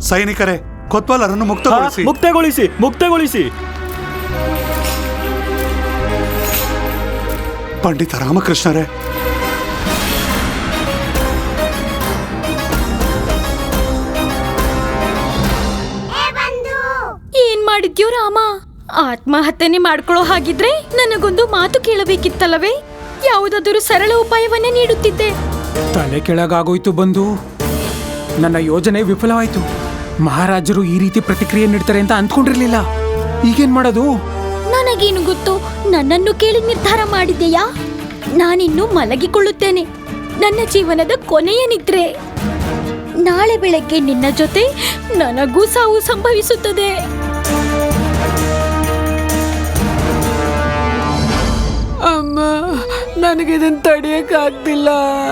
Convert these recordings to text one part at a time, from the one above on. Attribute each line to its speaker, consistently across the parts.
Speaker 1: ಸೈನಿಕರೇ, ಕೊತ್ವಾಲರನ್ನು ಮುಕ್ತಗೊಳಿಸಿ.
Speaker 2: ಮುಕ್ತಗೊಳಿಸಿ, ಮುಕ್ತಗೊಳಿಸಿ.
Speaker 1: ಪಂಡಿತ ರಾಮಕೃಷ್ಣರೇ,
Speaker 3: ಏನ್ ಮಾಡಿದ್ಯೋ ರಾಮ? ಆತ್ಮಹತ್ಯೆ ಮಾಡ್ಕೊಳ್ಳೋ ಹಾಗಿದ್ರೆ ನನಗೊಂದು ಮಾತು ಕೇಳಬೇಕಿತ್ತಲ್ಲವೇ? ಯಾವುದಾದರೂ ಸರಳ ಉಪಾಯವನ್ನೇ ನೀಡುತ್ತಿದ್ದೆ.
Speaker 4: ತಲೆ ಕೆಳಗಾಗೋಯ್ತು ಬಂಧು. ನನ್ನ ಯೋಜನೆ ವಿಫಲವಾಯ್ತು. ಮಹಾರಾಜರು ಈ ರೀತಿ ಪ್ರತಿಕ್ರಿಯೆ ನೀಡ್ತಾರೆ ಅಂತ ಅಂದ್ಕೊಂಡಿರ್ಲಿಲ್ಲ. ಈಗೇನ್ ಮಾಡೋದು?
Speaker 3: ನನಗೇನು ಗೊತ್ತು? ನನ್ನನ್ನು ಕೇಳಿ ನಿರ್ಧಾರ ಮಾಡಿದೆಯಾ? ನಾನಿನ್ನು ಮಲಗಿಕೊಳ್ಳುತ್ತೇನೆ. ನನ್ನ ಜೀವನದ ಕೊನೆಯ ನಿದ್ರೆ. ನಾಳೆ ಬೆಳಗ್ಗೆ ನಿನ್ನ ಜೊತೆ ನನಗೂ ಸಾವು ಸಂಭವಿಸುತ್ತದೆ.
Speaker 5: ಅಮ್ಮ, ನನಗಿದನ್ನು ತಡೆಯಕ್ಕಾಗ್ತಿಲ್ಲ.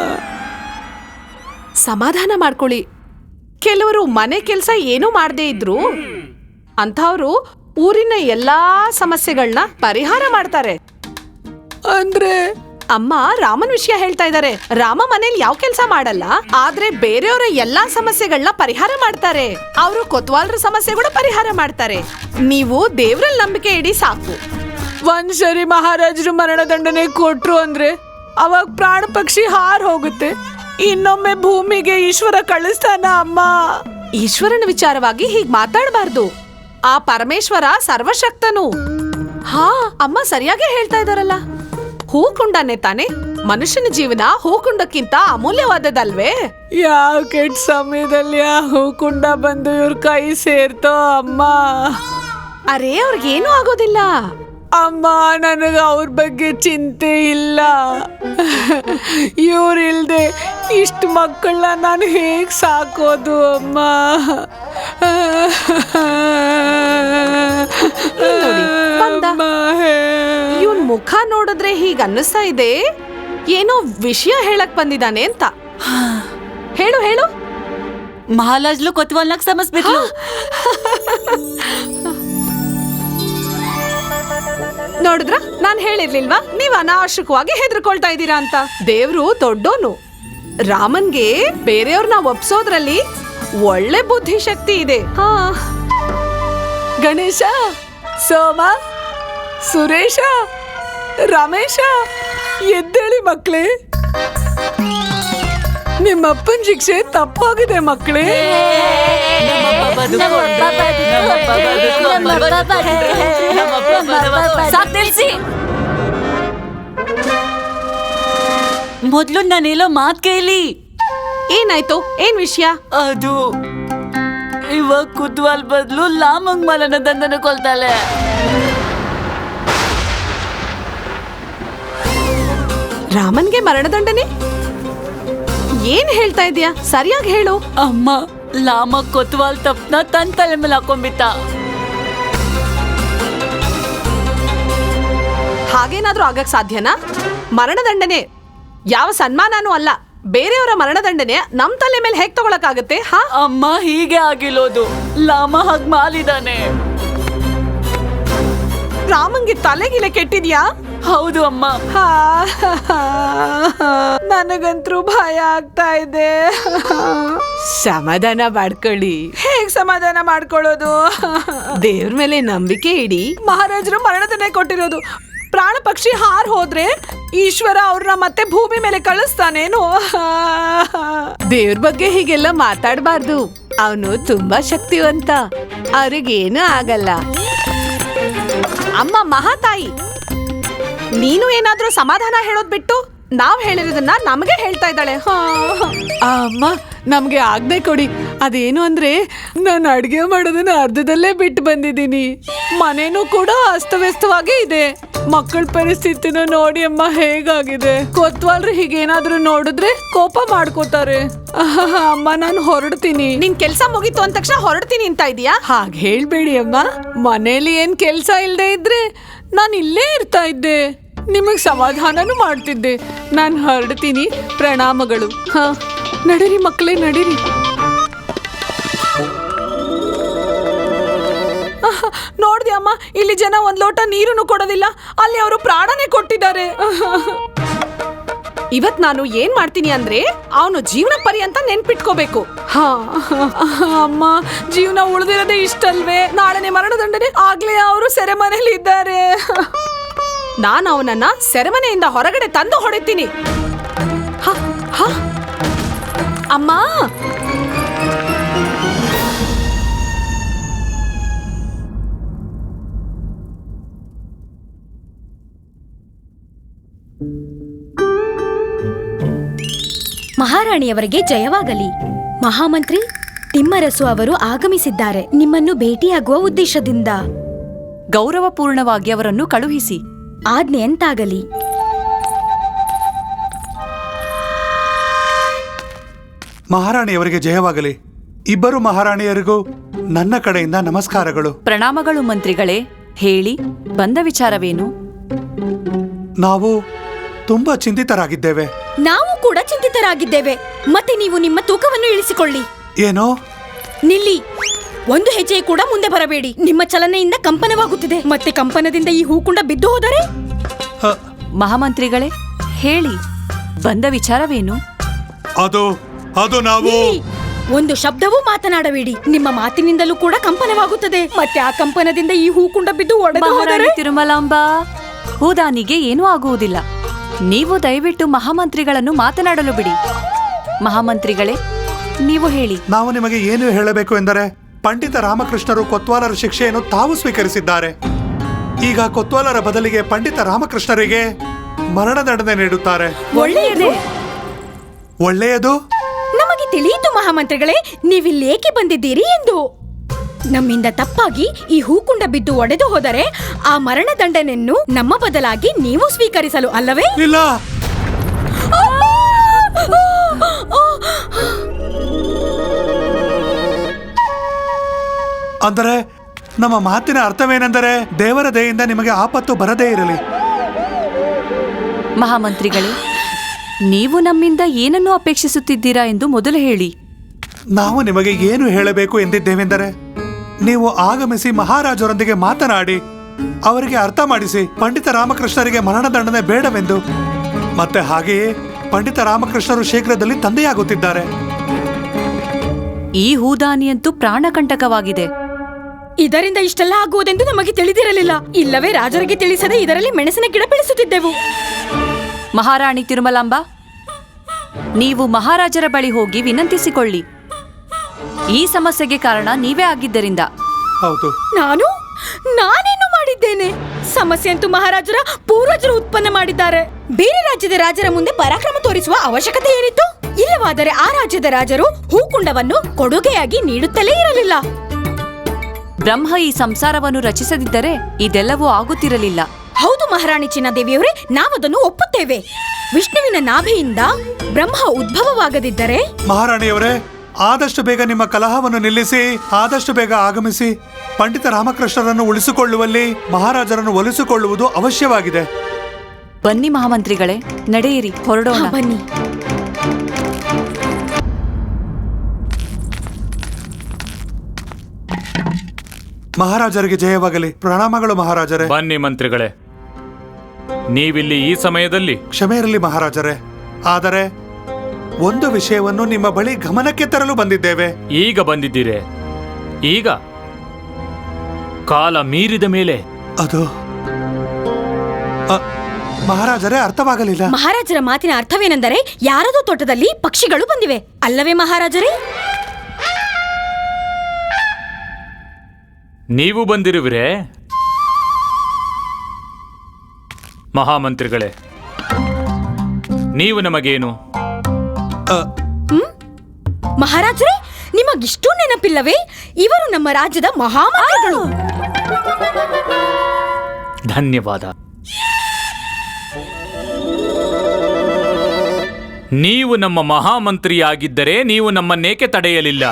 Speaker 6: ಸಮಾಧಾನ ಮಾಡ್ಕೊಳ್ಳಿ. ಕೆಲವರು ಮನೆ ಕೆಲಸ ಏನೂ ಮಾಡದೇ ಇದ್ರು ಅಂಥವ್ರು ಊರಿನ ಎಲ್ಲಾ ಸಮಸ್ಯೆಗಳನ್ನ ಪರಿಹಾರ ಮಾಡ್ತಾರೆ.
Speaker 5: ಅಂದ್ರೆ
Speaker 6: ಅಮ್ಮ ರಾಮನ್ ವಿಷಯ ಹೇಳ್ತಾ ಇದ್ದಾರೆ. ರಾಮ ಮನೇಲಿ ಯಾವ ಕೆಲಸ ಮಾಡಲ್ಲ, ಆದ್ರೆ ಬೇರೆಯವರ ಎಲ್ಲಾ ಸಮಸ್ಯೆಗಳನ್ನ ಪರಿಹಾರ ಮಾಡ್ತಾರೆ. ಅವರು ಕೊತ್ವಾಲ್ರ ಸಮಸ್ಯೆಗಳು ಪರಿಹಾರ ಮಾಡ್ತಾರೆ. ನೀವು ದೇವ್ರಲ್ಲಿ ನಂಬಿಕೆ ಇಡಿ ಸಾಕು.
Speaker 5: ಒಂದ್ಸರಿ ಮಹಾರಾಜರು ಮರಣದಂಡನೆ ಕೊಟ್ರು ಅಂದ್ರೆ ಅವಾಗ ಪ್ರಾಣ ಪಕ್ಷಿ ಹಾರ್ ಹೋಗುತ್ತೆ. ಇನ್ನೊಮ್ಮೆ ಭೂಮಿಗೆ ಈಶ್ವರ ಕಳಿಸ್ತಾನ ಅಮ್ಮ.
Speaker 6: ಈಶ್ವರನ ವಿಚಾರವಾಗಿ ಹೀಗ್ ಮಾತಾಡಬಾರ್ದು. ಆ ಪರಮೇಶ್ವರ ಸರ್ವಶಕ್ತನು. ಹಾ, ಅಮ್ಮ ಸರಿಯಾಗಿ ಹೇಳ್ತಾ ಇದಾರಲ್ಲ. ಹೂಕುಂಡನೇ ತಾನೆ. ಮನುಷ್ಯನ ಜೀವನ ಹೂಕುಂಡಕ್ಕಿಂತ ಅಮೂಲ್ಯವಾದದಲ್ವೇ?
Speaker 5: ಯಾವ ಕೆಟ್ಟ ಸಮಯದಲ್ಲಿ ಆ ಹೂಕುಂಡ ಬಂದು ಇವ್ರ ಕೈ ಸೇರ್ತೋ ಅಮ್ಮ.
Speaker 6: ಅರೇ, ಅವ್ರಿಗೇನು ಆಗೋದಿಲ್ಲ
Speaker 5: ಅಮ್ಮ. ನನಗ ಅವ್ರ ಬಗ್ಗೆ ಚಿಂತೆ ಇಲ್ಲ. ಇವ್ರಿಲ್ದೆ ಇಷ್ಟು ಮಕ್ಕಳನ್ನ ನಾನು ಹೇಗ್ ಸಾಕೋದು ಅಮ್ಮ?
Speaker 6: ಇವನ್ ಮುಖ ನೋಡಿದ್ರೆ ಹೀಗ ಅನ್ನಿಸ್ತಾ ಇದೆ ಏನೋ ವಿಷಯ ಹೇಳಕ್ ಬಂದಿದ್ದಾನೆ ಅಂತ. ಹೇಳು ಹೇಳು.
Speaker 7: ಮಹಾರಾಜ್ಲು ಕೊತ್ವಾಲ್ನಾಗ ಸಮಸ್ಬಿಟ್ಲು.
Speaker 6: ನೋಡಿದ್ರ, ನಾನ್ ಹೇಳಿರ್ಲಿಲ್ವಾ ನೀವ್ ಅನಾವಶ್ಯಕವಾಗಿ ಹೆದರ್ಕೊಳ್ತಾ ಇದ್ದೀರಾ ಅಂತ. ದೇವ್ರು ದೊಡ್ಡೋನು. ರಾಮನ್ಗೆ ಬೇರೆಯವ್ರನ್ನ ಒಪ್ಸೋದ್ರಲ್ಲಿ ಒಳ್ಳೆ ಬುದ್ಧಿಶಕ್ತಿ ಇದೆ. ಹಾ,
Speaker 5: ಗಣೇಶ, ಸೋಮ, ಸುರೇಶ, ರಮೇಶ, ಎದ್ದೇಳಿ ಮಕ್ಳೇ. ನಿಮ್ಮಪ್ಪನ ಶಿಕ್ಷೆ ತಪ್ಪಾಗಿದೆ ಮಕ್ಕಳೇ.
Speaker 7: ಮೊದ್ಲು ನಾನೇಲೋ ಮಾತ್ ಕೇಳಿ.
Speaker 6: ಏನಾಯ್ತು? ಏನ್ ವಿಷಯ?
Speaker 7: ಅದು ಇವಾಗ ಕುತ್ವಾಲ್ ಬದಲು ಲಾಮಂಗ್ ಮಲನ ದಂಡನ ಕೊಲ್ತಾಳೆ.
Speaker 6: ರಾಮನ್ಗೆ ಮರಣದಂಡನೆ? ಏನ್ ಹೇಳ್ತಾ ಇದೀಯಾ? ಸರಿಯಾಗಿ ಹೇಳು.
Speaker 7: ಅಮ್ಮ, ಲಾಮ ಕೊತ್ವಾಲ್ ತಪ್ಪನ ತನ್ ತಲೆ ಮೇಲೆ ಹಾಕೊಂಡ್ಬಿಟ್ಟ.
Speaker 6: ಹಾಗೇನಾದ್ರೂ ಆಗಕ್ ಸಾಧ್ಯನಾ? ಮರಣದಂಡನೆ ಯಾವ ಸನ್ಮಾನನೂ ಅಲ್ಲ. ಬೇರೆಯವರ ಮರಣದಂಡನೆ ನಮ್ ತಲೆ ಮೇಲೆ ಹೇಗ್ ತಗೊಳಕಾಗತ್ತೆ? ಹಾ
Speaker 7: ಅಮ್ಮ, ಹೀಗೆ ಆಗಿರೋದು. ಲಾಮ ಹಾಗ್ ಮಾಲಿದಾನೆ.
Speaker 6: ರಾಮಂಗೆ ತಲೆಗಿಲೆ ಕೆಟ್ಟಿದ್ಯಾ?
Speaker 7: ಹೌದು ಅಮ್ಮ.
Speaker 5: ನನಗಂತೂ ಭಯ ಆಗ್ತಾ ಇದೆ.
Speaker 6: ಸಮಾಧಾನ ಮಾಡ್ಕೊಳ್ಳಿ.
Speaker 5: ಹೇಗ್ ಸಮಾಧಾನ ಮಾಡ್ಕೊಳ್ಳೋದು?
Speaker 6: ದೇವ್ರ ಮೇಲೆ ನಂಬಿಕೆ ಇಡಿ.
Speaker 5: ಮಹಾರಾಜರು ಮರಣದಂಡನೆ ಕೊಟ್ಟಿರೋದು. ಪ್ರಾಣ ಪಕ್ಷಿ ಹಾರ್ ಹೋದ್ರೆ ಈಶ್ವರ ಅವ್ರನ್ನ ಮತ್ತೆ ಭೂಮಿ ಮೇಲೆ ಕಳಿಸ್ತಾನೇನು?
Speaker 6: ದೇವ್ರ ಬಗ್ಗೆ ಹೀಗೆಲ್ಲ ಮಾತಾಡಬಾರ್ದು. ಅವನು ತುಂಬಾ ಶಕ್ತಿವಂತ. ಅವ್ರಿಗೇನು ಆಗಲ್ಲ. ಅಮ್ಮ ಮಹಾತಾಯಿ, ನೀನು ಏನಾದ್ರೂ ಸಮಾಧಾನ ಹೇಳೋದ್ ಬಿಟ್ಟು ನಾವ್ ಹೇಳಿರೋದನ್ನ ನಮಗೆ ಹೇಳ್ತಾ ಇದ್ದಾಳೆ.
Speaker 5: ಅಮ್ಮ, ನಮ್ಗೆ ಆಜ್ಞೆ ಕೊಡಿ. ಅದೇನು ಅಂದ್ರೆ, ನಾನು ಅಡ್ಗೆ ಮಾಡೋದನ್ನ ಅರ್ಧದಲ್ಲೇ ಬಿಟ್ಟು ಬಂದಿದ್ದೀನಿ. ಮನೇನೂ ಕೂಡ ಅಸ್ತವ್ಯಸ್ತವಾಗೇ ಇದೆ. ಮಕ್ಕಳ ಪರಿಸ್ಥಿತಿನ ನೋಡಿ ಅಮ್ಮ ಹೇಗಾಗಿದೆ. ಕೊತ್ವಾಲ್ರು ಹೀಗೇನಾದ್ರೂ ನೋಡಿದ್ರೆ ಕೋಪ ಮಾಡ್ಕೋತಾರೆ. ಅಮ್ಮ, ನಾನು ಹೊರಡ್ತೀನಿ.
Speaker 6: ನಿನ್ ಕೆಲ್ಸ ಮುಗೀತು ಅಂದ ತಕ್ಷಣ ಹೊರಡ್ತೀನಿ ಅಂತ ಇದೀಯಾ?
Speaker 5: ಹಾಗೆ ಹೇಳ್ಬೇಡಿ ಅಮ್ಮ. ಮನೇಲಿ ಏನ್ ಕೆಲ್ಸ ಇಲ್ದೇ ಇದ್ರೆ ನಾನು ಇಲ್ಲೇ ಇರ್ತಾ ಇದ್ದೆ. ನಿಮಗ್ ಸಮಾಧಾನನೂ ಮಾಡ್ತಿದ್ದೆ. ನಾನು ಹೊರಡ್ತೀನಿ. ಪ್ರಣಾಮಗಳು. ಹಾ, ನಡೀರಿ ಮಕ್ಕಳೇ, ನಡೀರಿ. ನೋಡ್ದೆ ಅಮ್ಮ, ಇಲ್ಲಿ ಜನ ಒಂದ್ ಲೋಟ ನೀರನ್ನು ಕೊಡೋದಿಲ್ಲ. ಅಲ್ಲಿ ಅವರು ಪ್ರಾಣನೇ ಕೊಟ್ಟಿದ್ದಾರೆ.
Speaker 6: ಇವತ್ ನಾನು ಏನ್ ಮಾಡ್ತೀನಿ ಅಂದ್ರೆ ಅವನು ಜೀವನ ಪರ್ಯಂತ ನೆನ್ಪಿಟ್ಕೋಬೇಕು. ಹಾ ಅಮ್ಮ, ಜೀವನ ಉಳಿದಿರೋದೇ ಇಷ್ಟಲ್ವೇ? ನಾಳೆನೆ ಮರಣದಂಡನೆ ಆಗ್ಲೇ ಅವರು ಸೆರೆಮನೆಯಲ್ಲಿ ಇದ್ದಾರೆ. ನಾನು ಅವನನ್ನ ಸೆರೆಮನೆಯಿಂದ ಹೊರಗಡೆ ತಂದು ಹೊಡಿತೀನಿ. ಅಮ್ಮ,
Speaker 3: ಮಹಾರಾಣಿಯವರಿಗೆ ಜಯವಾಗಲಿ. ಮಹಾಮಂತ್ರಿ ತಿಮ್ಮರಸು ಅವರು ಆಗಮಿಸಿದ್ದಾರೆ. ನಿಮ್ಮನ್ನು ಭೇಟಿಯಾಗುವ ಉದ್ದೇಶದಿಂದ.
Speaker 2: ಗೌರವಪೂರ್ಣವಾಗಿ ಅವರನ್ನು ಕಳುಹಿಸಿ.
Speaker 3: ಆಜ್ಞೆ ಎಂತಾಗಲಿ.
Speaker 1: ಮಹಾರಾಣಿಯವರಿಗೆ ಜಯವಾಗಲಿ. ಇಬ್ಬರು ಮಹಾರಾಣಿಯರಿಗೂ ನನ್ನ ಕಡೆಯಿಂದ ನಮಸ್ಕಾರಗಳು.
Speaker 2: ಪ್ರಣಾಮಗಳು ಮಂತ್ರಿಗಳೇ. ಹೇಳಿ, ಬಂದ ವಿಚಾರವೇನು?
Speaker 1: ನಾವು ತುಂಬಾ ಚಿಂತಿತರಾಗಿದ್ದೇವೆ.
Speaker 3: ನಾವು ಕೂಡ ಚಿಂತಿತರಾಗಿದ್ದೇವೆ. ಮತ್ತೆ ನೀವು ನಿಮ್ಮ ತೂಕವನ್ನು ಇಳಿಸಿಕೊಳ್ಳಿ.
Speaker 1: ಏನೋ?
Speaker 3: ನಿಲ್ಲಿ, ಒಂದು ಹೆಜ್ಜೆ ಕೂಡ ಮುಂದೆ ಬರಬೇಡಿ. ನಿಮ್ಮ ಚಲನೆಯಿಂದ ಕಂಪನವಾಗುತ್ತಿದೆ. ಮತ್ತೆ ಕಂಪನದಿಂದ ಈ ಹೂಕುಂಡ ಬಿದ್ದು ಹೋದರೆ?
Speaker 2: ಮಹಾಮಂತ್ರಿಗಳೇ, ಹೇಳಿ, ಬಂದ ವಿಚಾರವೇನು?
Speaker 1: ಅದು ನಾವು
Speaker 3: ನಿಲ್ಲಿ, ಒಂದು ಶಬ್ದವೂ ಮಾತನಾಡಬೇಡಿ. ನಿಮ್ಮ ಮಾತಿನಿಂದಲೂ ಕೂಡ ಕಂಪನವಾಗುತ್ತದೆ. ಮತ್ತೆ ಆ ಕಂಪನದಿಂದ ಈ ಹೂಕುಂಡ ಬಿದ್ದು ಒಡೆದು ಹೋದರೆ?
Speaker 2: ಮಹಾರಾಣಿ ತಿರುಮಲಾಂಬಾ, ಹೂದಾನಿಗೆ ಏನೂ ಆಗುವುದಿಲ್ಲ. ನೀವು ದಯವಿಟ್ಟು ಮಹಾಮಂತ್ರಿಗಳನ್ನು ಮಾತನಾಡಲು ಬಿಡಿ. ಮಹಾಮಂತ್ರಿಗಳೇ, ನೀವು ಹೇಳಿ.
Speaker 1: ನಾವು ನಿಮಗೆ ಏನು ಹೇಳಬೇಕು ಎಂದರೆ, ಪಂಡಿತ ರಾಮಕೃಷ್ಣರು ಕೊತ್ವಾಲರ ಶಿಕ್ಷೆಯನ್ನು ತಾವು ಸ್ವೀಕರಿಸಿದ್ದಾರೆ. ಈಗ ಕೊತ್ವಾಲರ ಬದಲಿಗೆ ಪಂಡಿತ ರಾಮಕೃಷ್ಣರಿಗೆ ಮರಣದಂಡನೆ ನೀಡುತ್ತಾರೆ.
Speaker 3: ಒಳ್ಳೆಯದು.
Speaker 1: ಒಳ್ಳೆಯದು.
Speaker 3: ನಮಗೆ ತಿಳಿಯಿತು ಮಹಾಮಂತ್ರಿಗಳೇ, ನೀವಿಲ್ಲಿ ಏಕೆ ಬಂದಿದ್ದೀರಿ ಎಂದು. ನಮ್ಮಿಂದ ತಪ್ಪಾಗಿ ಈ ಹೂಕುಂಡ ಬಿದ್ದು ಒಡೆದು ಹೋದರೆ ಆ ಮರಣದಂಡನೆಯನ್ನು ನಮ್ಮ ಬದಲಾಗಿ ನೀವು ಸ್ವೀಕರಿಸಲು ಅಲ್ಲವೇ?
Speaker 1: ಇಲ್ಲ. ಅಂದರೆ ನಮ್ಮ ಮಾತಿನ ಅರ್ಥವೇನೆಂದರೆ, ದೇವರ ದಯೆಯಿಂದ ನಿಮಗೆ ಆಪತ್ತು ಬರದೇ ಇರಲಿ.
Speaker 2: ಮಹಾಮಂತ್ರಿಗಳೇ, ನೀವು ನಮ್ಮಿಂದ ಏನನ್ನು ಅಪೇಕ್ಷಿಸುತ್ತಿದ್ದೀರಾ ಎಂದು ಮೊದಲು ಹೇಳಿ.
Speaker 1: ನಾವು ನಿಮಗೆ ಏನು ಹೇಳಬೇಕು ಎಂದಿದ್ದೇವೆಂದರೆ, ನೀವು ಆಗಮಿಸಿ ಮಹಾರಾಜರೊಂದಿಗೆ ಮಾತನಾಡಿ ಅವರಿಗೆ ಅರ್ಥ ಮಾಡಿಸಿ ಪಂಡಿತ ರಾಮಕೃಷ್ಣರಿಗೆ ಮರಣದಂಡನೆ ಬೇಡವೆಂದು. ಮತ್ತೆ ಹಾಗೆಯೇ ಪಂಡಿತ ರಾಮಕೃಷ್ಣರು ಶೀಘ್ರದಲ್ಲಿ ತಂದೆಯಾಗುತ್ತಿದ್ದಾರೆ.
Speaker 2: ಈ ಹೂದಾನಿಯಂತೂ ಪ್ರಾಣಕಂಟಕವಾಗಿದೆ.
Speaker 3: ಇದರಿಂದ ಇಷ್ಟೆಲ್ಲ ಆಗುವುದೆಂದು ನಮಗೆ ತಿಳಿದಿರಲಿಲ್ಲ. ಇಲ್ಲವೇ ರಾಜರಿಗೆ ತಿಳಿಸದೆ ಇದರಲ್ಲಿ ಮೆಣಸಿನ ಗಿಡ ಬೆಳೆಸುತ್ತಿದ್ದೆವು.
Speaker 2: ಮಹಾರಾಣಿ ತಿರುಮಲಾಂಬಾ, ನೀವು ಮಹಾರಾಜರ ಬಳಿ ಹೋಗಿ ವಿನಂತಿಸಿಕೊಳ್ಳಿ. ಈ ಸಮಸ್ಯೆಗೆ ಕಾರಣ ನೀವೇ ಆಗಿದ್ದರಿಂದ.
Speaker 1: ಹೌದು.
Speaker 3: ನಾನೇನು ಮಾಡಿದ್ದೇನೆ? ಸಮಸ್ಯೆ ಅಂತೂ ಮಹಾರಾಜರ ಪೂರ್ವಜರು ಉತ್ಪನ್ನ ಮಾಡಿದ್ದಾರೆ. ಬೇರೆ ರಾಜ್ಯದ ರಾಜರ ಮುಂದೆ ಪರಾಕ್ರಮ ತೋರಿಸುವ ಅವಶ್ಯಕತೆ ಏನಿತ್ತು? ಇಲ್ಲವಾದರೆ ಆ ರಾಜ್ಯದ ರಾಜರು ಹೂಕುಂಡವನ್ನು ಕೊಡುಗೆಯಾಗಿ ನೀಡುತ್ತಲೇ ಇರಲಿಲ್ಲ.
Speaker 2: ಬ್ರಹ್ಮ ಈ ಸಂಸಾರವನ್ನು ರಚಿಸದಿದ್ದರೆ ಇದೆಲ್ಲವೂ ಆಗುತ್ತಿರಲಿಲ್ಲ.
Speaker 3: ಹೌದು ಮಹಾರಾಣಿ ಚಿನ್ನದೇವಿಯವರೇ, ನಾವದನ್ನು ಒಪ್ಪುತ್ತೇವೆ. ವಿಷ್ಣುವಿನ ನಾಭಿಯಿಂದ ಬ್ರಹ್ಮ ಉದ್ಭವವಾಗದಿದ್ದರೆ.
Speaker 1: ಮಹಾರಾಣಿಯವರೇ, ಆದಷ್ಟು ಬೇಗ ನಿಮ್ಮ ಕಲಹವನ್ನು ನಿಲ್ಲಿಸಿ ಆದಷ್ಟು ಬೇಗ ಆಗಮಿಸಿ ಪಂಡಿತ ರಾಮಕೃಷ್ಣರನ್ನು ಉಳಿಸಿಕೊಳ್ಳುವಲ್ಲಿ ಮಹಾರಾಜರನ್ನು ಒಲಿಸಿಕೊಳ್ಳುವುದು ಅವಶ್ಯವಾಗಿದೆ.
Speaker 2: ಬನ್ನಿ ಮಹಾಮಂತ್ರಿಗಳೇ, ನಡೆಯಿರಿ, ಹೊರಡೋಣ.
Speaker 3: ಬನ್ನಿ.
Speaker 1: ಮಹಾರಾಜರಿಗೆ ಜಯವಾಗಲಿ. ಪ್ರಣಾಮಗಳು ಮಹಾರಾಜರೇ.
Speaker 8: ಬನ್ನಿ ಮಂತ್ರಿಗಳೇ, ನೀವಿಲ್ಲಿ ಈ ಸಮಯದಲ್ಲಿ?
Speaker 1: ಕ್ಷಮೆ ಇರಲಿ ಮಹಾರಾಜರೇ, ಆದರೆ ಒಂದು ವಿಷಯವನ್ನು ನಿಮ್ಮ ಬಳಿ ಗಮನಕ್ಕೆ ತರಲು ಬಂದಿದ್ದೇವೆ.
Speaker 8: ಈಗ ಬಂದಿದ್ದೀರಿ? ಈಗ ಕಾಲ ಮೀರಿದ ಮೇಲೆ
Speaker 1: ಅದು ಮಹಾರಾಜರೇ ಅರ್ಥವಾಗಲಿಲ್ಲ.
Speaker 3: ಮಹಾರಾಜರ ಮಾತಿನ ಅರ್ಥವೇನೆಂದರೆ, ಯಾರದೋ ತೋಟದಲ್ಲಿ ಪಕ್ಷಿಗಳು ಬಂದಿವೆ ಅಲ್ಲವೇ ಮಹಾರಾಜರೇ?
Speaker 8: ನೀವು ಬಂದಿರುವಿರೇ? ಮಹಾಮಂತ್ರಿಗಳೇ, ನೀವು ನಮಗೇನು?
Speaker 3: ಮಹಾರಾಜರೇ, ನಿಮಗಿಷ್ಟೂ ನೆನಪಿಲ್ಲವೇ? ಇವರು ನಮ್ಮ ರಾಜ್ಯದ ಮಹಾಮಂತ್ರಿಗಳು.
Speaker 8: ಧನ್ಯವಾದ. ನೀವು ನಮ್ಮ ಮಹಾಮಂತ್ರಿಯಾಗಿದ್ದರೆ ನೀವು ನಮ್ಮನ್ನೇಕೆ ತಡೆಯಲಿಲ್ಲ?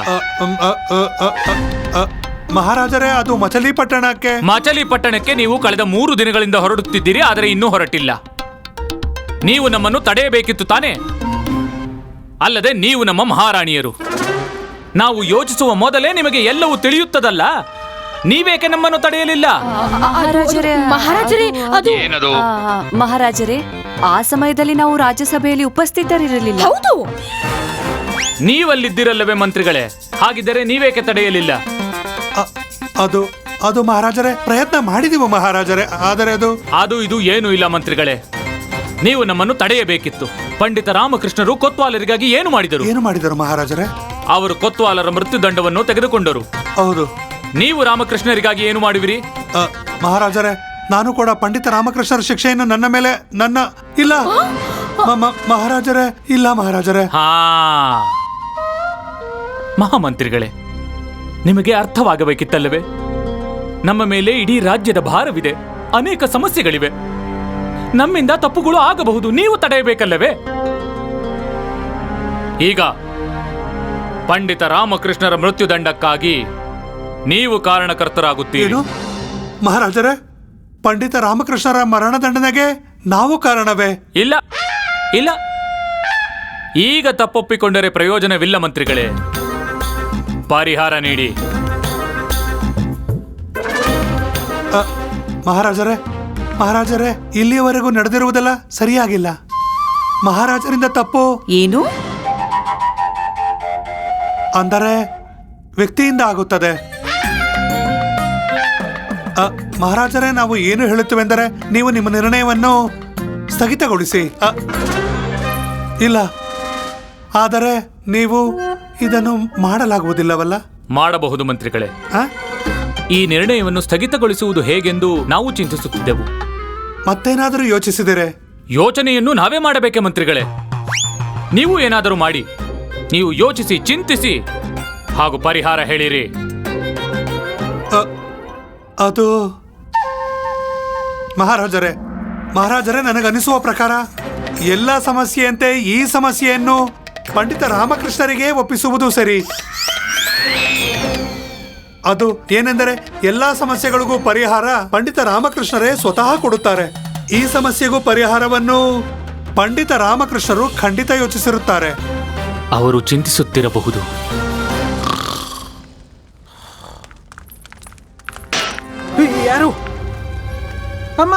Speaker 1: ಮಹಾರಾಜರೇ, ಅದು ಮಚಲಿಪಟ್ಟಣಕ್ಕೆ.
Speaker 8: ಮಚಲಿಪಟ್ಟಣಕ್ಕೆ ನೀವು ಕಳೆದ 3 ದಿನಗಳಿಂದ ಹೊರಡುತ್ತಿದ್ದೀರಿ, ಆದರೆ ಇನ್ನೂ ಹೊರಟಿಲ್ಲ. ನೀವು ನಮ್ಮನ್ನು ತಡೆಯಬೇಕಿತ್ತು ತಾನೇ? ಅಲ್ಲದೆ ನೀವು ನಮ್ಮ ಮಹಾರಾಣಿಯರು. ನಾವು ಯೋಚಿಸುವ ಮೊದಲೇ ನಿಮಗೆ ಎಲ್ಲವೂ ತಿಳಿಯುತ್ತದಲ್ಲ. ನೀವೇಕೆ ನಮ್ಮನ್ನು ತಡೆಯಲಿಲ್ಲ?
Speaker 3: ಮಹಾರಾಜರೇ ಅದು
Speaker 2: ಮಹಾರಾಜರೇ, ಆ ಸಮಯದಲ್ಲಿ ನಾವು ರಾಜ್ಯಸಭೆಯಲ್ಲಿ ಉಪಸ್ಥಿತರಿರಲಿಲ್ಲ.
Speaker 3: ಹೌದು.
Speaker 8: ನೀವಲ್ಲಿದ್ದಿರಲ್ಲವೇ ಮಂತ್ರಿಗಳೇ? ಹಾಗಿದ್ದರೆ ನೀವೇಕೆ ತಡೆಯಲಿಲ್ಲ?
Speaker 1: ಅದು ಅದು ಮಹಾರಾಜರೇ, ಪ್ರಯತ್ನ ಮಾಡಿದೀವು ಮಹಾರಾಜರೇ, ಆದರೆ
Speaker 8: ಅದು ಇದು ಏನೂ ಇಲ್ಲ ಮಂತ್ರಿಗಳೇ. ನೀವು ನಮ್ಮನ್ನು ತಡೆಯಬೇಕಿತ್ತು. ಪಂಡಿತ ರಾಮಕೃಷ್ಣರು ಕೊತ್ವಾಲರಿಗಾಗಿ ಏನು ಮಾಡಿದರು?
Speaker 1: ಏನು ಮಾಡಿದರು ಮಹಾರಾಜರೇ?
Speaker 8: ಅವರು ಕೊತ್ವಾಲರ ಮೃತ್ಯುದಂಡವನ್ನು ತೆಗೆದುಕೊಂಡರು.
Speaker 1: ಹೌದು.
Speaker 8: ನೀವು ರಾಮಕೃಷ್ಣರಿಗಾಗಿ ಏನು ಮಾಡುವಿರಿ?
Speaker 1: ಮಹಾರಾಜರೇ, ನಾನು ಕೂಡ ಪಂಡಿತ ರಾಮಕೃಷ್ಣರ ಶಿಕ್ಷೆಯನ್ನು ನನ್ನ ಮೇಲೆ ಇಲ್ಲ ಮಹಾರಾಜರೇ, ಇಲ್ಲ ಮಹಾರಾಜರೇ.
Speaker 8: ಹಾ, ಮಹಾಮಂತ್ರಿಗಳೇ, ನಿಮಗೆ ಅರ್ಥವಾಗಬೇಕಿತ್ತಲ್ಲವೇ? ನಮ್ಮ ಮೇಲೆ ಇಡೀ ರಾಜ್ಯದ ಭಾರವಿದೆ, ಅನೇಕ ಸಮಸ್ಯೆಗಳಿವೆ. ನಮ್ಮಿಂದ ತಪ್ಪುಗಳು ಆಗಬಹುದು, ನೀವು ತಡೆಯಬೇಕಲ್ಲವೇ? ಈಗ ಪಂಡಿತ ರಾಮಕೃಷ್ಣರ ಮೃತ್ಯುದಂಡಕ್ಕಾಗಿ ನೀವು ಕಾರಣಕರ್ತರಾಗುತ್ತೀರಿ.
Speaker 1: ಏನು ಮಹಾರಾಜರೇ? ಪಂಡಿತ ರಾಮಕೃಷ್ಣರ ಮರಣದಂಡನೆಗೆ ನಾವು ಕಾರಣವೇ?
Speaker 8: ಇಲ್ಲ ಇಲ್ಲ, ಈಗ ತಪ್ಪೊಪ್ಪಿಕೊಂಡರೆ ಪ್ರಯೋಜನವಿಲ್ಲ ಮಂತ್ರಿಗಳೇ. ಪರಿಹಾರ ನೀಡಿ.
Speaker 1: ಮಹಾರಾಜರೇ, ಇಲ್ಲಿಯವರೆಗೂ ನಡೆದಿರುವುದೆಲ್ಲ ಸರಿಯಾಗಿಲ್ಲ. ಮಹಾರಾಜರಿಂದ ತಪ್ಪು
Speaker 2: ಏನು
Speaker 1: ಅಂದರೆ ವ್ಯಕ್ತಿಯಿಂದ ಆಗುತ್ತದೆ. ಮಹಾರಾಜರೇ, ನಾವು ಏನು ಹೇಳುತ್ತೇವೆಂದರೆ ನೀವು ನಿಮ್ಮ ನಿರ್ಣಯವನ್ನು ಸ್ಥಗಿತಗೊಳಿಸಿ. ಇಲ್ಲ, ಆದರೆ ನೀವು ಇದನ್ನು ಮಾಡಲಾಗುವುದಿಲ್ಲವಲ್ಲ?
Speaker 8: ಮಾಡಬಹುದು ಮಂತ್ರಿಗಳೇ. ಈ ನಿರ್ಣಯವನ್ನು ಸ್ಥಗಿತಗೊಳಿಸುವುದು ಹೇಗೆಂದು ನಾವು ಚಿಂತಿಸುತ್ತಿದ್ದೆವು.
Speaker 1: ಮತ್ತೇನಾದರೂ ಯೋಚಿಸಿದರೆ?
Speaker 8: ಯೋಚನೆಯನ್ನು ನಾವೇ ಮಾಡಬೇಕೆ ಮಂತ್ರಿಗಳೇ? ನೀವು ಏನಾದರೂ ಮಾಡಿ. ನೀವು ಯೋಚಿಸಿ, ಚಿಂತಿಸಿ, ಹಾಗೂ ಪರಿಹಾರ ಹೇಳಿರಿ.
Speaker 1: ಅದು ಮಹಾರಾಜರೇ, ನನಗನಿಸುವ ಪ್ರಕಾರ ಎಲ್ಲ ಸಮಸ್ಯೆಯಂತೆ ಈ ಸಮಸ್ಯೆಯನ್ನು ಪಂಡಿತ ರಾಮಕೃಷ್ಣರಿಗೆ ಒಪ್ಪಿಸುವುದು ಸರಿ. ಅದು ಏನೆಂದರೆ ಎಲ್ಲಾ ಸಮಸ್ಯೆಗಳಿಗೂ ಪರಿಹಾರ ಪಂಡಿತ ರಾಮಕೃಷ್ಣರೇ ಸ್ವತಃ ಕೊಡುತ್ತಾರೆ. ಈ ಸಮಸ್ಯೆಗೂ ಪರಿಹಾರವನ್ನು ಪಂಡಿತ ರಾಮಕೃಷ್ಣರು ಖಂಡಿತ ಯೋಚಿಸಿರುತ್ತಾರೆ.
Speaker 8: ಅವರು ಚಿಂತಿಸುತ್ತಿರಬಹುದು.
Speaker 4: ಯಾರು? ಅಮ್ಮ,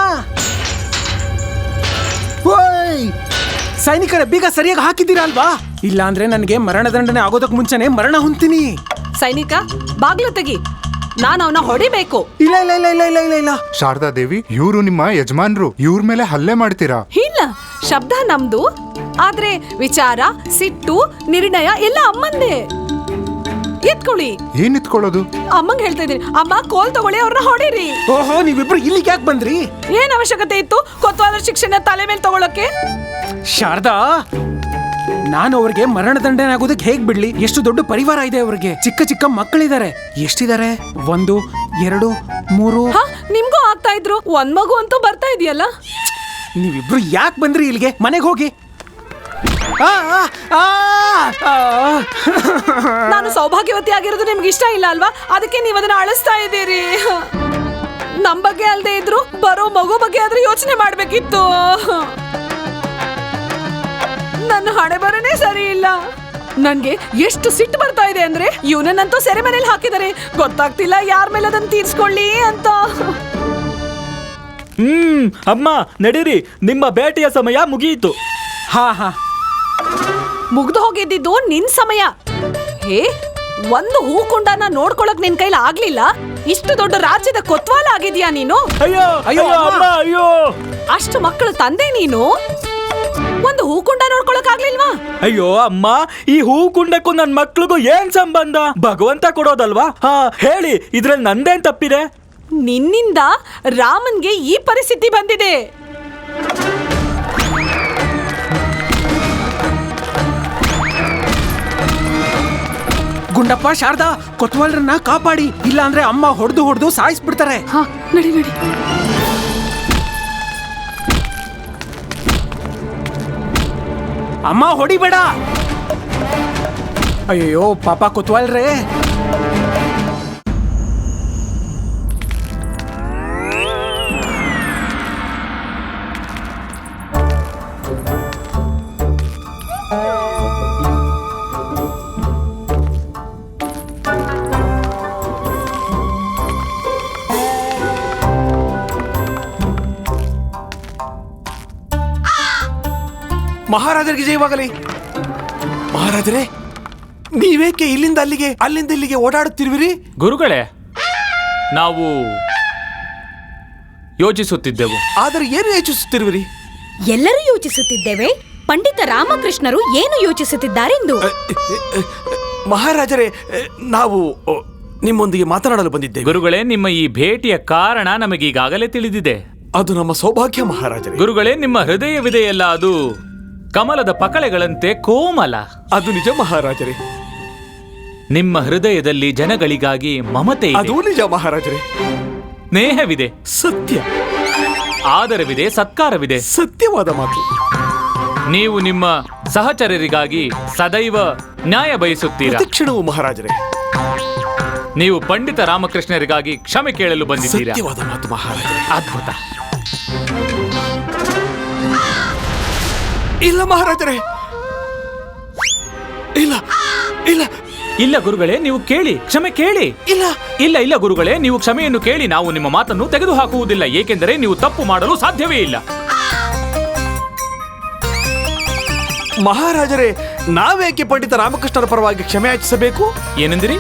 Speaker 4: ಸೈನಿಕರ ಬೀಗ ಸರಿಯಾಗಿ ಹಾಕಿದ್ದೀರಾ ಅಲ್ವಾ? ಇಲ್ಲ ಅಂದ್ರೆ ನನಗೆ ಮರಣದಂಡನೆ ಆಗೋದಕ್ಕೆ ಮುಂಚೆನೆ ಮರಣ ಹೊಂತೀನಿ.
Speaker 6: ಸೈನಿಕ, ಬಾಗ್ಲು ತೆಗಿ, ನಾನು ಅವನ ಹೊಡಿಬೇಕು.
Speaker 4: ಇಲ್ಲ ಇಲ್ಲ ಇಲ್ಲ ಇಲ್ಲ ಇಲ್ಲ ಇಲ್ಲ ಇಲ್ಲ.
Speaker 9: ಶಾರದಾ ದೇವಿ, ಇವರು ನಿಮ್ಮ ಯಜಮಾನ್ರು, ಇವ್ರ ಮೇಲೆ ಹಲ್ಲೆ ಮಾಡ್ತೀರಾ?
Speaker 6: ಇಲ್ಲ, ಶಬ್ದ ನಮ್ದು, ಆದ್ರೆ ವಿಚಾರ, ಸಿಟ್ಟು, ನಿರ್ಣಯ ಎಲ್ಲ ಅಮ್ಮಂದೇ. ಎತ್ಕೊಳ್ಳಿ.
Speaker 9: ಏನ್ ಎತ್ಕೊಳ್ಳೋದು?
Speaker 6: ಅಮ್ಮಂಗ್ ಹೇಳ್ತಾ ಇದೀನಿ, ಅಮ್ಮ ಕೋಲ್ ತಗೊಳ್ಳಿ, ಅವ್ರನ್ನ ಹೊಡೀರಿ.
Speaker 4: ಓಹೋ, ನೀವಿಬ್ರು ಇಲ್ಲಿಗೆ ಯಾಕೆ ಬಂದ್ರಿ?
Speaker 6: ಏನ್ ಅವಶ್ಯಕತೆ ಇತ್ತು ಕೊತ್ವಾಲರ ಶಿಕ್ಷಣ ತಲೆ ಮೇಲೆ ತಗೊಳಕ್ಕೆ?
Speaker 4: ಶಾರದಾ, ನಾನು ಅವ್ರಿಗೆ ಮರಣದಂಡನೆ ಆಗೋದಕ್ಕೆ ಹೇಗ್ ಬಿಡ್ಲಿ? ಎಷ್ಟು ದೊಡ್ಡ ಪರಿವಾರ ಇದೆ ಅವ್ರಿಗೆ, ಚಿಕ್ಕ ಚಿಕ್ಕ ಮಕ್ಕಳಿದ್ದಾರೆ. ಎಷ್ಟಿದ್ದಾರೆ? 1, 2, 3.
Speaker 6: ನಿಮ್ಗೂ ಆಗ್ತಾ ಇದ್ರು, ಒಂದ್ ಮಗು ಅಂತೂ ಬರ್ತಾ ಇದೆಯಲ್ಲ.
Speaker 4: ನೀವಿಬ್ರು ಯಾಕೆ ಬಂದ್ರಿ ಇಲ್ಲಿಗೆ? ಮನೆಗೆ ಹೋಗಿ.
Speaker 6: ನಾನು ಸೌಭಾಗ್ಯವತಿ ಆಗಿರೋದು ನಿಮ್ಗೆ ಇಷ್ಟ ಇಲ್ಲ ಅಲ್ವಾ? ಅದಕ್ಕೆ ನೀವು ಅದನ್ನ ಅಳಿಸ್ತಾ ಇದ್ದೀರಿ. ನಮ್ ಬಗ್ಗೆ ಅಲ್ದೇ ಇದ್ರು ಬರೋ ಮಗು ಬಗ್ಗೆ ಆದ್ರೂ ಯೋಚನೆ ಮಾಡ್ಬೇಕಿತ್ತು. ನನ್ನ ಹಣೆ ಬರನೇ ಸರಿ ಇಲ್ಲ. ನನ್ಗೆ ಎಷ್ಟು ಸಿಟ್ಟು ಬರ್ತಾ ಇದೆ ಅಂದ್ರೆ, ಇವನನ್ನಂತೂ ಸೆರೆಮನೆಯಲ್ಲಿ ಹಾಕಿದರೆ ಗೊತ್ತಾಗ್ತಿಲ್ಲ ಯಾರ ಮೇಲೆ ಅದನ್ನ ತೀರ್ಸ್ಕೊಳ್ಳಿ ಅಂತ.
Speaker 10: ಅಮ್ಮ ನಡೀರಿ, ನಿಮ್ಮ ಬೇಟೆಯ ಸಮಯ ಮುಗಿಯಿತು.
Speaker 4: ಹಾ,
Speaker 6: ಮುಗ್ದು ಹೋಗಿದ್ದಿದ್ದು ನಿನ್ ಸಮಯ. ಹೇ, ಒಂದು ಹೂಕುಂಡನ ನೋಡ್ಕೊಳಕ್ ನಿನ್ ಕೈಲಿ ಆಗ್ಲಿಲ್ಲ, ಇಷ್ಟು ದೊಡ್ಡ ರಾಜ್ಯದ ಕೊತ್ವಾಲ ಆಗಿದ್ಯಾ ನೀನು?
Speaker 10: ಅಯ್ಯೋ ಅಯ್ಯೋ ಅಮ್ಮ, ಅಯ್ಯೋ!
Speaker 6: ಅಷ್ಟು ಮಕ್ಕಳು ತಂದೆ ನೀನು, ಒಂದು ಹೂಕುಂಡ ನೋಡ್ಕೊಳಕ್ ಆಗ್ಲಿಲ್ವಾ?
Speaker 10: ಅಯ್ಯೋ ಅಮ್ಮ, ಈ ಹೂಕುಂಡಕ್ಕೂ ನನ್ ಮಕ್ಳಿಗೂ ಏನ್ ಸಂಬಂಧ? ಭಗವಂತ ಕೊಡೋದಲ್ವಾ? ಹೇಳಿ, ಇದ್ರಲ್ಲಿ ನಂದೇನ್ ತಪ್ಪಿದೆ?
Speaker 6: ನಿನ್ನಿಂದ ರಾಮನ್ಗೆ ಈ ಪರಿಸ್ಥಿತಿ ಬಂದಿದೆ.
Speaker 4: ಗುಂಡಪ್ಪ, ಶಾರದಾ, ಕೊತ್ವಾಲ್ರನ್ನ ಕಾಪಾಡಿ, ಇಲ್ಲ ಅಂದ್ರೆ ಅಮ್ಮ ಹೊಡೆದು ಸಾಯಿಸ್ಬಿಡ್ತಾರೆ.
Speaker 6: ನಡಿ ನಡಿ.
Speaker 4: ಅಮ್ಮ ಹೊಡಿಬೇಡ. ಅಯ್ಯೋ ಪಾಪ ಕೊತ್ವಾಲ್ರೇ.
Speaker 11: ಮಹಾರಾಜರಿಗೆ ಜಯವಾಗಲಿ. ಮಹಾರಾಜರೇ, ನೀವೇಕೆ ಇಲ್ಲಿಂದ ಅಲ್ಲಿಗೆ ಅಲ್ಲಿಂದ ಇಲ್ಲಿಗೆ ಓಡಾಡುತ್ತಿರುವಿರಿ?
Speaker 8: ಗುರುಗಳೇ, ನಾವು ಯೋಚಿಸುತ್ತಿದ್ದೆವು.
Speaker 11: ಆದರೆ ಏನು ಯೋಚಿಸುತ್ತಿರುವಿರಿ?
Speaker 3: ಎಲ್ಲರೂ ಯೋಚಿಸುತ್ತಿದ್ದೇವೆ ಪಂಡಿತ ರಾಮಕೃಷ್ಣರು ಏನು ಯೋಚಿಸುತ್ತಿದ್ದಾರೆಂದು.
Speaker 11: ಮಹಾರಾಜರೇ, ನಾವು ನಿಮ್ಮೊಂದಿಗೆ ಮಾತನಾಡಲು ಬಂದಿದ್ದೇವೆ.
Speaker 8: ಗುರುಗಳೇ, ನಿಮ್ಮ ಈ ಭೇಟಿಯ ಕಾರಣ ನಮಗೀಗಾಗಲೇ ತಿಳಿದಿದೆ.
Speaker 11: ಅದು ನಮ್ಮ ಸೌಭಾಗ್ಯ ಮಹಾರಾಜರೇ.
Speaker 8: ಗುರುಗಳೇ, ನಿಮ್ಮ ಹೃದಯವಿದೆಯಲ್ಲ, ಅದು ಕಮಲದ ಪಕಳೆಗಳಂತೆ ಕೋಮಲ.
Speaker 11: ಅದು ನಿಜ ಮಹಾರಾಜರೇ.
Speaker 8: ನಿಮ್ಮ ಹೃದಯದಲ್ಲಿ ಜನಗಳಿಗಾಗಿ ಮಮತೆ ಇದೆ.
Speaker 11: ಅದು ನಿಜ ಮಹಾರಾಜರೇ.
Speaker 8: ಸ್ನೇಹವಿದೆ,
Speaker 11: ಸತ್ಯ.
Speaker 8: ಆದರವಿದೆ, ಸತ್ಕಾರವಿದೆ.
Speaker 11: ಸತ್ಯವಾದ ಮಾತು.
Speaker 8: ನೀವು ನಿಮ್ಮ ಸಹಚರರಿಗಾಗಿ ಸದೈವ ನ್ಯಾಯ ಬಯಸುತ್ತೀರಾ.
Speaker 11: ಕ್ಷಣವು ಮಹಾರಾಜರೇ.
Speaker 8: ನೀವು ಪಂಡಿತ ರಾಮಕೃಷ್ಣರಿಗಾಗಿ ಕ್ಷಮೆ ಕೇಳಲು ಬಂದಿದ್ದೀರಾ.
Speaker 11: ಸತ್ಯವಾದ ಮಾತು ಮಹಾರಾಜರೇ.
Speaker 8: ಅದ್ಭುತ.
Speaker 11: ಇಲ್ಲ ಮಹಾರಾಜರೇ, ಇಲ್ಲ ಇಲ್ಲ
Speaker 8: ಇಲ್ಲ ಗುರುಗಳೇ, ನೀವು ಕೇಳಿ, ಕ್ಷಮೆ ಕೇಳಿ.
Speaker 11: ಇಲ್ಲ
Speaker 8: ಇಲ್ಲ ಇಲ್ಲ ಗುರುಗಳೇ, ನೀವು ಕ್ಷಮೆಯನ್ನು ಕೇಳಿ. ನಾವು ನಿಮ್ಮ ಮಾತನ್ನು ತೆಗೆದುಹಾಕುವುದಿಲ್ಲ, ಏಕೆಂದರೆ ನೀವು ತಪ್ಪು ಮಾಡಲು ಸಾಧ್ಯವೇ ಇಲ್ಲ.
Speaker 11: ಮಹಾರಾಜರೇ, ನಾವೇಕೆ ಪಂಡಿತ ರಾಮಕೃಷ್ಣರ ಪರವಾಗಿ ಕ್ಷಮೆ ಯಾಚಿಸಬೇಕು?
Speaker 8: ಏನೆಂದಿರಿ?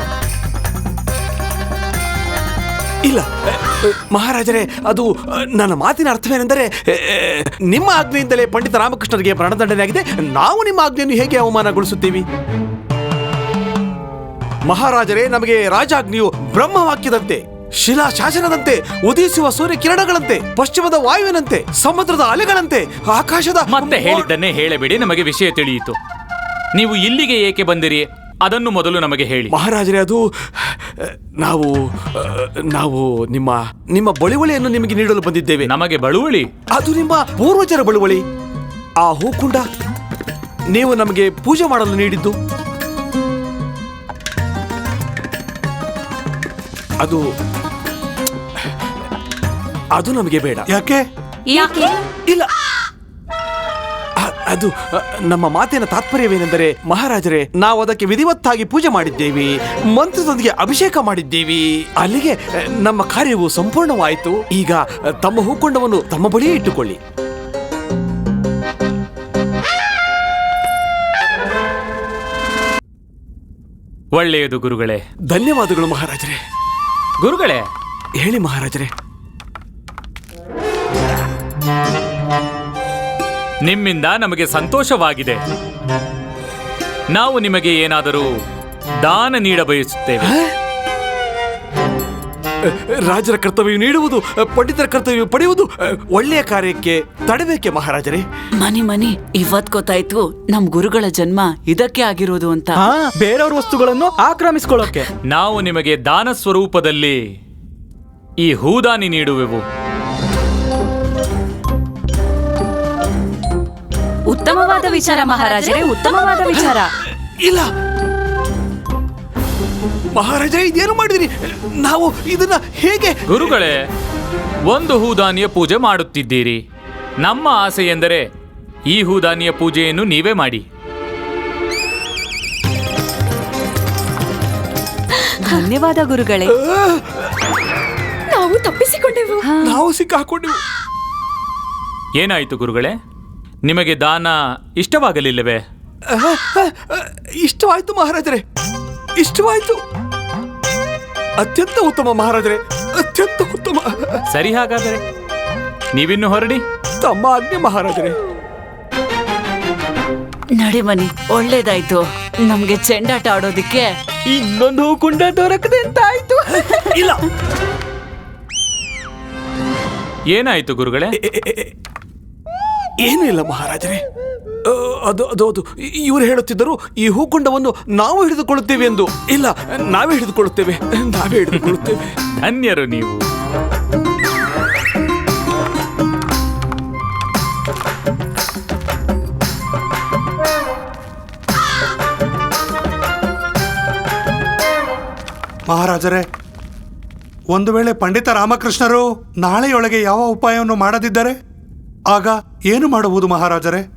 Speaker 11: ಇಲ್ಲ ಮಹಾರಾಜರೇ, ಅದು ನನ್ನ ಮಾತಿನ ಅರ್ಥವೇನೆಂದರೆ, ನಿಮ್ಮ ಆಜ್ಞೆಯಿಂದಲೇ ಪಂಡಿತ ರಾಮಕೃಷ್ಣರಿಗೆ ಮರಣದಂಡನೆಯಾಗಿದೆ. ನಾವು ನಿಮ್ಮ ಆಜ್ಞೆಯನ್ನು ಹೇಗೆ ಅವಮಾನಗೊಳಿಸುತ್ತೀವಿ? ಮಹಾರಾಜರೇ, ನಮಗೆ ರಾಜಾಜ್ಞೆಯು ಬ್ರಹ್ಮವಾಕ್ಯದಂತೆ, ಶಿಲಾ ಶಾಸನದಂತೆ, ಉದಿಸುವ ಸೂರ್ಯ ಕಿರಣಗಳಂತೆ, ಪಶ್ಚಿಮದ ವಾಯುವಿನಂತೆ, ಸಮುದ್ರದ ಅಲೆಗಳಂತೆ, ಆಕಾಶದ...
Speaker 8: ಮತ್ತೆ ಹೇಳಿದ್ದನ್ನೇ ಹೇಳಬೇಡಿ, ನಮಗೆ ವಿಷಯ ತಿಳಿಯಿತು. ನೀವು ಇಲ್ಲಿಗೆ ಏಕೆ ಬಂದಿರಿ ಅದನ್ನು ಮೊದಲು ನಮಗೆ ಹೇಳಿ.
Speaker 11: ಮಹಾರಾಜರೇ, ಅದು ನಾವು ನಾವು ನಿಮ್ಮ ನಿಮ್ಮ ಬಳುವಳಿಯನ್ನು ನಿಮಗೆ ನೀಡಲು ಬಂದಿದ್ದೇವೆ.
Speaker 8: ನಮಗೆ ಬಳುವಳಿ?
Speaker 11: ಅದು ನಿಮ್ಮ ಪೂರ್ವಜರ ಬಳುವಳಿ. ಆ ಹೂಕುಂಡ ನೀವು ನಮಗೆ ಪೂಜೆ ಮಾಡಲು ನೀಡಿದ್ದು. ಅದು ಅದು ನಮಗೆ ಬೇಡ.
Speaker 1: ಯಾಕೆ?
Speaker 2: ಯಾಕೆ?
Speaker 11: ಇಲ್ಲ, ಅದು ನಮ್ಮ ಮಾತಿನ ತಾತ್ಪರ್ಯವೇನೆಂದರೆ, ಮಹಾರಾಜರೇ, ನಾವು ಅದಕ್ಕೆ ವಿಧಿವತ್ತಾಗಿ ಪೂಜೆ ಮಾಡಿದ್ದೇವೆ, ಮಂತ್ರದೊಂದಿಗೆ ಅಭಿಷೇಕ ಮಾಡಿದ್ದೇವೆ. ಅಲ್ಲಿಗೆ ನಮ್ಮ ಕಾರ್ಯವು ಸಂಪೂರ್ಣವಾಯಿತು. ಈಗ ತಮ್ಮ ಹೂಕೊಂಡವನ್ನು ತಮ್ಮ ಬಳಿಯೇ ಇಟ್ಟುಕೊಳ್ಳಿ.
Speaker 8: ಒಳ್ಳೆಯದು ಗುರುಗಳೇ.
Speaker 11: ಧನ್ಯವಾದಗಳು ಮಹಾರಾಜರೇ.
Speaker 8: ಗುರುಗಳೇ,
Speaker 11: ಹೇಳಿ ಮಹಾರಾಜರೇ.
Speaker 8: ನಿಮ್ಮಿಂದ ನಮಗೆ ಸಂತೋಷವಾಗಿದೆ. ನಾವು ನಿಮಗೆ ಏನಾದರೂ ದಾನ ನೀಡ ಬಯಸುತ್ತೇವೆ.
Speaker 11: ರಾಜರ ಕರ್ತವ್ಯ ನೀಡುವುದು, ಪಂಡಿತರ ಕರ್ತವ್ಯ ಪಡೆಯುವುದು ಒಳ್ಳೆಯ ಕಾರ್ಯಕ್ಕೆ ತಡಬೇಕೆ ಮಹಾರಾಜರೇ?
Speaker 7: ಮನಿ ಇವತ್ ಗೊತ್ತಾಯ್ತು ನಮ್ ಗುರುಗಳ ಜನ್ಮ ಇದಕ್ಕೆ ಆಗಿರೋದು ಅಂತ.
Speaker 10: ಬೇರೆಯವ್ರ ವಸ್ತುಗಳನ್ನು ಆಕ್ರಮಿಸಿಕೊಳ್ಳೋಕೆ
Speaker 8: ನಾವು ನಿಮಗೆ ದಾನ ಸ್ವರೂಪದಲ್ಲಿ ಈ ಹೂದಾನಿ ನೀಡುವೆವು.
Speaker 2: ಉತ್ತಮವಾದ ವಿಚಾರ ಮಹಾರಾಜರೇ, ಉತ್ತಮವಾದ ವಿಚಾರ.
Speaker 11: ಇಲ್ಲ ಮಹಾರಾಜರೇ, ಇದೇನು ಮಾಡಿದಿರಿ? ನಾವು ಇದನ್ನ ಹೇಗೆ?
Speaker 8: ಗುರುಗಳೇ, ಒಂದು ಹೂದಾನಿಯ ಪೂಜೆ ಮಾಡುತ್ತಿದ್ದೀರಿ. ನಮ್ಮ ಆಸೆ ಎಂದರೆ ಈ ಹೂದಾನಿಯ ಪೂಜೆಯನ್ನು ನೀವೇ ಮಾಡಿ.
Speaker 2: ಧನ್ಯವಾದ ಗುರುಗಳೇ.
Speaker 3: ನಾವು ತಪ್ಪಿಸಿಕೊಂಡೆವು.
Speaker 11: ನಾವು ಸಿಕ್ಕಾಕೊಂಡೆವು.
Speaker 8: ಏನಾಯಿತು ಗುರುಗಳೇ? ನಿಮಗೆ ದಾನ ಇಷ್ಟವಾಗಲಿಲ್ಲವೇ?
Speaker 11: ಇಷ್ಟವಾಯ್ತು ಮಹಾರಾಜರೇ, ಇಷ್ಟವಾಯ್ತು. ಅತ್ಯಂತ ಉತ್ತಮ ಮಹಾರಾಜರೇ, ಅತ್ಯಂತ ಉತ್ತಮ.
Speaker 8: ಸರಿ, ಹಾಗಾದರೆ ನೀವಿನ್ನು ಹೊರಡಿ.
Speaker 11: ತಮ್ಮ ಆಜ್ಞೆ ಮಹಾರಾಜರೇ.
Speaker 7: ನಡಿ ಮನಿ, ಒಳ್ಳೇದಾಯ್ತು. ನಮ್ಗೆ ಚೆಂಡಾಟ ಆಡೋದಿಕ್ಕೆ
Speaker 10: ಇನ್ನೊಂದು ಹೂಕುಂಡ ದೊರಕದೆ ಅಂತ ಆಯ್ತು.
Speaker 11: ಇಲ್ಲ,
Speaker 8: ಏನಾಯಿತು ಗುರುಗಳೇ?
Speaker 11: ಏನೂ ಇಲ್ಲ ಮಹಾರಾಜರೇ. ಅದು ಅದು ಅದು ಇವರು ಹೇಳುತ್ತಿದ್ದರು, ಈ ಹೂಕುಂಡವನ್ನು ನಾವು ಹಿಡಿದುಕೊಳ್ಳುತ್ತೇವೆ ಎಂದು. ಇಲ್ಲ, ನಾವೇ ಹಿಡಿದುಕೊಳ್ಳುತ್ತೇವೆ, ನಾವೇ ಹಿಡಿದುಕೊಳ್ಳುತ್ತೇವೆ.
Speaker 8: ಧನ್ಯರು ನೀವು.
Speaker 1: ಮಹಾರಾಜರೇ, ಒಂದು ವೇಳೆ ಪಂಡಿತ ರಾಮಕೃಷ್ಣರು ನಾಳೆಯೊಳಗೆ ಯಾವ ಉಪಾಯವನ್ನು ಮಾಡದಿದ್ದರೆ ಆಗ ಏನು ಮಾಡುವುದು ಮಹಾರಾಜರೇ?